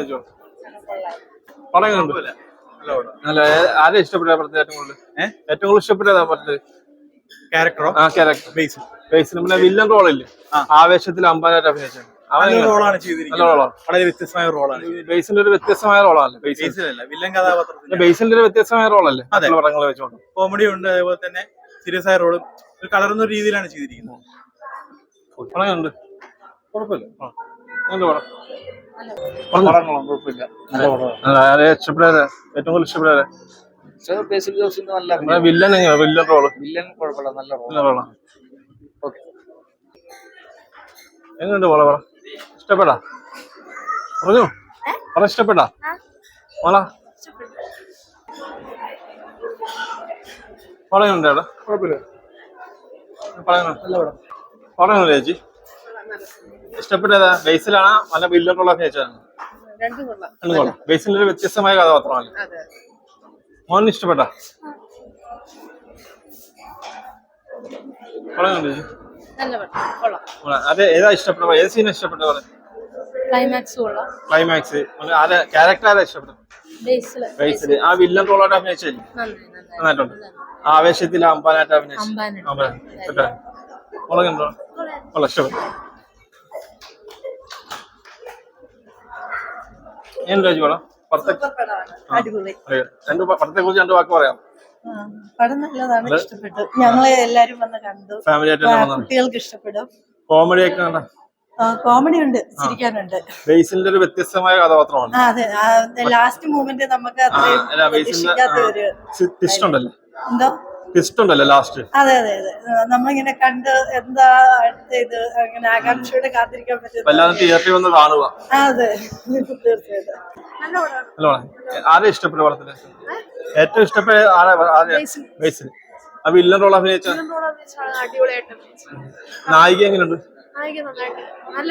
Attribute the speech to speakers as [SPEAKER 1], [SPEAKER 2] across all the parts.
[SPEAKER 1] ചോദിച്ചോ. പടങ്ങളുണ്ട്. നല്ല ആരെ ഇഷ്ടപ്പെട്ട പടത്തിൽ ഏറ്റവും കൂടുതൽ ഇഷ്ടപ്പെട്ടതാ പടത്തിൽ?
[SPEAKER 2] ക്യാരക്ടറോ?
[SPEAKER 1] ആ ക്യാരക്ടർ ബേസിൽ പിന്നെ വില്ലൻ റോളില്ലേ, ആവേശത്തിൽ അമ്പാനായിട്ട് അഭിനയിച്ചത്.
[SPEAKER 2] റോളാണ് ചെയ്തിരിക്കുന്നത്. വളരെ വ്യത്യസ്തമായ റോളാണ്.
[SPEAKER 1] ബേസിന്റെ ഒരു വ്യത്യസ്തമായ റോളാണ്.
[SPEAKER 2] വില്ലൻ കഥാപാത്രത്തിൽ
[SPEAKER 1] ബേസിന്റെ ഒരു വ്യത്യസ്തമായ റോളല്ലേ പടങ്ങൾ വെച്ചോണ്ട്.
[SPEAKER 2] കോമഡി ഉണ്ട്, അതേപോലെ തന്നെ സീരിയസ് ആയ റോളും കളറുന്ന രീതിയിലാണ് ചെയ്തിരിക്കുന്നത്.
[SPEAKER 1] പടങ്ങളുണ്ട്, കുഴപ്പമില്ല. ഏറ്റവും കൂടുതൽ ഇഷ്ടപ്പെടാറ് വില്ലൻ റോള്. നല്ല റോളാണ്. എങ്ങനെയുണ്ട് മോളെ പറ? ഇഷ്ടപ്പെടാ? പറഞ്ഞോ പറ. ഇഷ്ടപ്പെടാ മോള? പറയുന്നുണ്ട് അവിടെ? കുഴപ്പമില്ല. പറയുന്നു ചേച്ചി. ഇഷ്ടപ്പെട്ടതാ? ബേസിലാണോ നല്ല വില്ലൻ റോൾ അഭിനയിച്ചതാണ്? ബേസിന്റെ ഒരു വ്യത്യസ്തമായ കഥാപാത്രമാണ്. മോഹൻ ഇഷ്ടപ്പെട്ട? പറയുന്നുണ്ട് ചേച്ചി. അതെ, ഏതാ ഇഷ്ടപ്പെട്ട? ഏത് സീനാ ഇഷ്ടപ്പെട്ടത്? ക്ലൈമാക്സ്. ആരെ ക്യാരക്ടർ ആരാ ഇഷ്ടപ്പെട്ടത്? ബേസില് ആ വില്ലൻ റോളായിട്ട് അഭിനയിച്ചില്ലേ? നന്നായിട്ടുണ്ട്. ആവേശത്തിൽ അമ്പാനായിട്ട് അഭിനയിച്ചു. മുളകുണ്ടോ? ഇഷ്ടപ്പെട്ടു. എന്താ പടം? പടത്തെ കുറിച്ച് രണ്ട് വാക്ക് പറയാം.
[SPEAKER 3] പടം നല്ലതാണ്, ഇഷ്ടപ്പെട്ടു. ഞങ്ങളെ എല്ലാരും വന്ന് കണ്ടു.
[SPEAKER 1] ഫാമിലി ആയിട്ട്
[SPEAKER 3] കുട്ടികൾക്ക് ഇഷ്ടപ്പെടും.
[SPEAKER 1] കോമഡി ഒക്കെ കണ്ട?
[SPEAKER 3] കോമഡി ഉണ്ട്, ചിരിക്കാനുണ്ട്.
[SPEAKER 1] ബേസിന്റെ ഒരു വ്യത്യസ്തമായ കഥാപാത്രമാണ്.
[SPEAKER 3] അതെ, ലാസ്റ്റ് മൂമെന്റ് നമുക്ക്
[SPEAKER 1] ട്വിസ്റ്റ് ഉണ്ടല്ലോ.
[SPEAKER 3] എന്തോ
[SPEAKER 1] ട്വിസ്റ്റ് ഉണ്ടല്ലോ ലാസ്റ്റ്.
[SPEAKER 3] അതെ അതെ അതെ, നമ്മളിങ്ങനെ കണ്ട് എന്താ ഇത് അങ്ങനെ ആകാംക്ഷയോടെ കാത്തിരിക്കാൻ പറ്റും.
[SPEAKER 1] വല്ലാതെ തിയേറ്ററിൽ വന്ന് കാണുക.
[SPEAKER 3] അതെ, തീർച്ചയായിട്ടും.
[SPEAKER 1] ആരെ ഇഷ്ടപ്പെട്ട പടത്തില്? ഏറ്റവും ഇഷ്ടപ്പെട്ട ബേസിൽ ആ വില്ലൻ റോൾ അഭിനയിച്ച നായിക എങ്ങനെയുണ്ട്? നല്ല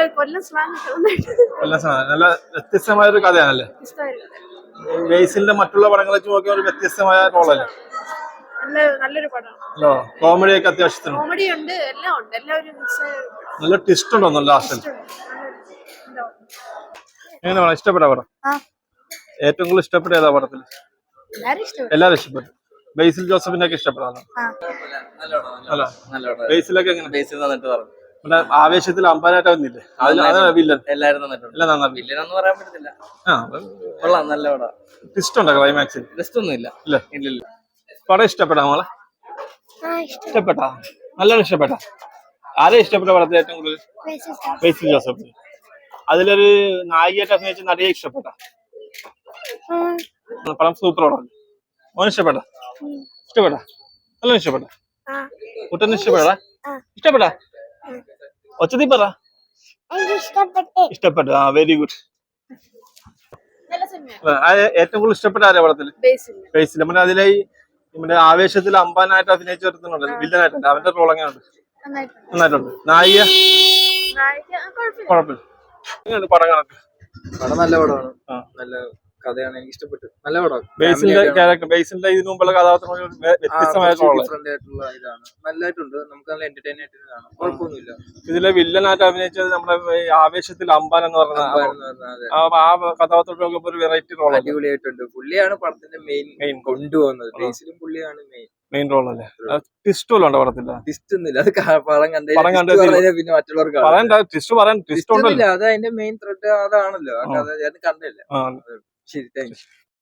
[SPEAKER 1] വ്യത്യസ്തമായ ഒരു കഥയാണല്ലേ ബേസിലിന്റെ മറ്റുള്ള പടങ്ങളെ വെച്ച് നോക്കിയ ഒരു വ്യത്യസ്തമായ റോളല്ലേ?
[SPEAKER 4] നല്ലൊരു പടം.
[SPEAKER 1] കോമഡി ഒക്കെ അത്യാവശ്യത്തിന്
[SPEAKER 4] കോമഡി ഉണ്ട്, എല്ലാം ഉണ്ട്, എല്ലാവരും
[SPEAKER 1] നല്ല ട്വിസ്റ്റ് ഉണ്ടോ ലാസ്റ്റിൽ? എങ്ങനെ ഇഷ്ടപ്പെട്ട പടം? ഏറ്റവും കൂടുതൽ ഇഷ്ടപ്പെട്ട ഏതാ പടത്തിൽ? എല്ലാരും ഇഷ്ടപ്പെട്ടു. ബേസിൽ ജോസഫിന്റെ ഒക്കെ ഇഷ്ടപ്പെടാം. ബേസിലൊക്കെ എങ്ങനെ?
[SPEAKER 5] ബേസിൽ നന്നായിട്ട് പറഞ്ഞു.
[SPEAKER 1] ആവേശത്തിൽ അമ്പാനായിട്ട് വന്നില്ലേ? അതാണ് വില്ലൻ.
[SPEAKER 5] എല്ലാരും നന്നായിട്ടുണ്ട്. വില്ലനെന്ന് പറയാൻ പറ്റത്തില്ല. കൊള്ളാം, നല്ല പടം.
[SPEAKER 1] ട്വിസ്റ്റ് ഉണ്ടോ ക്ലൈമാക്സിൽ?
[SPEAKER 5] ട്വിസ്റ്റ് ഒന്നും ഇല്ല. ഇല്ല.
[SPEAKER 1] പടം ഇഷ്ടപ്പെടാ മോളെ? ഇഷ്ടപ്പെട്ടാ? നല്ലോണം ഇഷ്ടപ്പെട്ടാ? ആരെ ഇഷ്ടപ്പെട്ട പടത്തിൽ ഏറ്റവും കൂടുതൽ? ബേസിൽ ജോസഫ്. അതിലൊരു നായികയായിട്ട് അഭിനയിച്ച നടിയെ ഇഷ്ടപ്പെട്ട? പടം സൂപ്പർ പടം. മോനെ ഇഷ്ടപ്പെട്ട? ഇഷ്ടപ്പെട്ടാ? നല്ലോണം ഇഷ്ടപ്പെട്ട? കുട്ടനെ ഇഷ്ടപ്പെടാ? ഇഷ്ടപ്പെട്ടാ? ഒച്ചതി പറ. ഇഷ്ടപ്പെട്ടു. Very good. ഏറ്റവും കൂടുതൽ ഇഷ്ടപ്പെട്ട ആരാ പടത്തില്? ബേസിൽ. നമ്മുടെ അതിലെ നമ്മുടെ ആവേശത്തിൽ അമ്പാനായിട്ട് അഭിനയിച്ചു വരുത്തുന്നുണ്ട്, വില്ലനായിട്ടുണ്ട്. അവന്റെ റോൾ എങ്ങനെയുണ്ട്? നന്നായിട്ടുണ്ട്. നായിക കുഴപ്പമില്ല. എങ്ങനെയുണ്ട് പടം കണക്ക്?
[SPEAKER 5] പടം നല്ല പടമാണ്, നല്ല കഥയാണ്, എനിക്ക് ഇഷ്ടപ്പെട്ടു. നല്ല പടം.
[SPEAKER 1] ബേസിന്റെ ക്യാരക്ടർ, ബേസിന്റെ ഇതിനു മുമ്പുള്ള കഥാപാത്രം വ്യത്യസ്തമായ
[SPEAKER 5] ഡിഫറന്റ് ആയിട്ടുള്ള ഇതാണ്. നല്ലതായിട്ടുണ്ട്, നമുക്ക് നല്ല എന്റർടൈൻ ആയിട്ട് കാണാം, കുഴപ്പമൊന്നുമില്ല.
[SPEAKER 1] ഇതിലെ വില്ലനായിട്ട് അഭിനയിച്ചത് നമ്മുടെ ആവേശത്തിൽ അമ്പാൻ എന്ന് പറഞ്ഞ ആ കഥാപാത്രത്തിലൊക്കെ ഒരു വെറൈറ്റി റോൾ
[SPEAKER 5] അടിപൊളിയായിട്ടുണ്ട്. പുള്ളിയാണ് പടത്തിന്റെ മെയിൻ കൊണ്ടുപോകുന്നത്. ബേസിലും പുള്ളിയാണ്
[SPEAKER 1] മെയിൻ റോൾ അല്ലേ? ട്വിസ്റ്റ് വല്ലതും ഉണ്ടോ പടത്തില്ല?
[SPEAKER 5] ട്വിസ്റ്റ് ഒന്നുമില്ല, അത് പടം കണ്ടേ പിന്നെ മറ്റുള്ളവർക്ക്
[SPEAKER 1] ട്വിസ്റ്റ്
[SPEAKER 5] അത് അതിന്റെ മെയിൻ ത്രെഡ് അതാണല്ലോ, അത് കണ്ടില്ല. ശരി, താങ്ക്സ്.